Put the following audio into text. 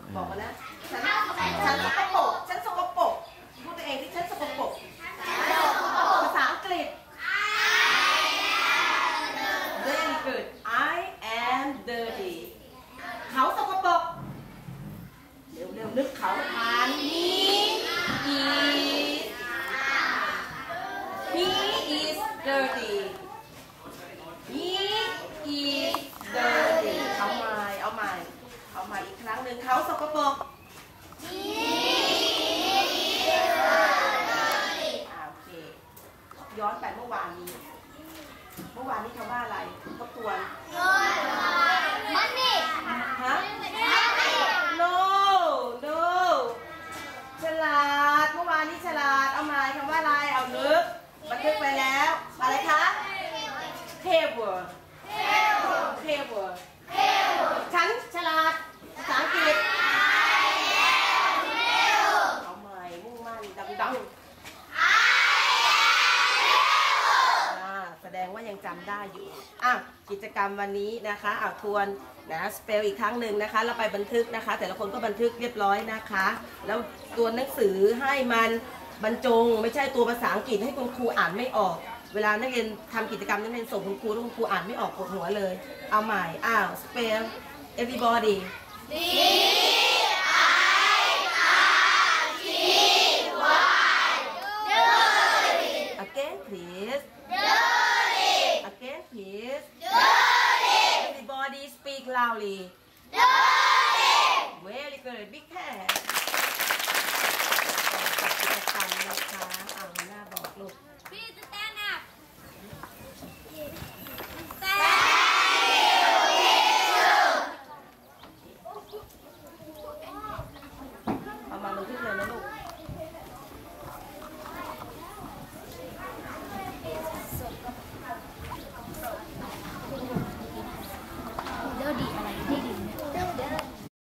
บอกมานะฉันสกปรกฉันสกปรกพูดตัวเองที่ฉันสกปรกภาษาอังกฤษ very good I am dirty เขาสกปรกเร็วนึกเขาทานhe is dirty he is dirty เอาใหม่อีกครั้งหนึ่งเขาสกปรกโอเคย้อนไปเมื่อวานนี้คำว่าอะไรทบทวนมันนี่ฮะ no ฉลาดเมื่อวานนี้ฉลาดเอาใหม่คำว่าอะไรเอานึกบันทึกไปแล้วอะไรคะ clever ฉันฉลาดภาษาอังกฤษเอาใหม่มุ่งมั่นดังแสดงว่ายังจำได้อยู่กิจกรรมวันนี้นะคะทวนนะสเปลอีกครั้งหนึ่งนะคะเราไปบันทึกนะคะแต่ละคนก็บันทึกเรียบร้อยนะคะแล้วตัวหนังสือให้มันบรรจงไม่ใช่ตัวภาษาอังกฤษให้คุณครูอ่านไม่ออกเวลานักเรียนทำกิจกรรมนักเรียนส่งคุณครูแล้วคุณครูอ่านไม่ออกปวดหัวเลยเอาใหม่สเปล everybody again please again please everybody speak loudly very good big hand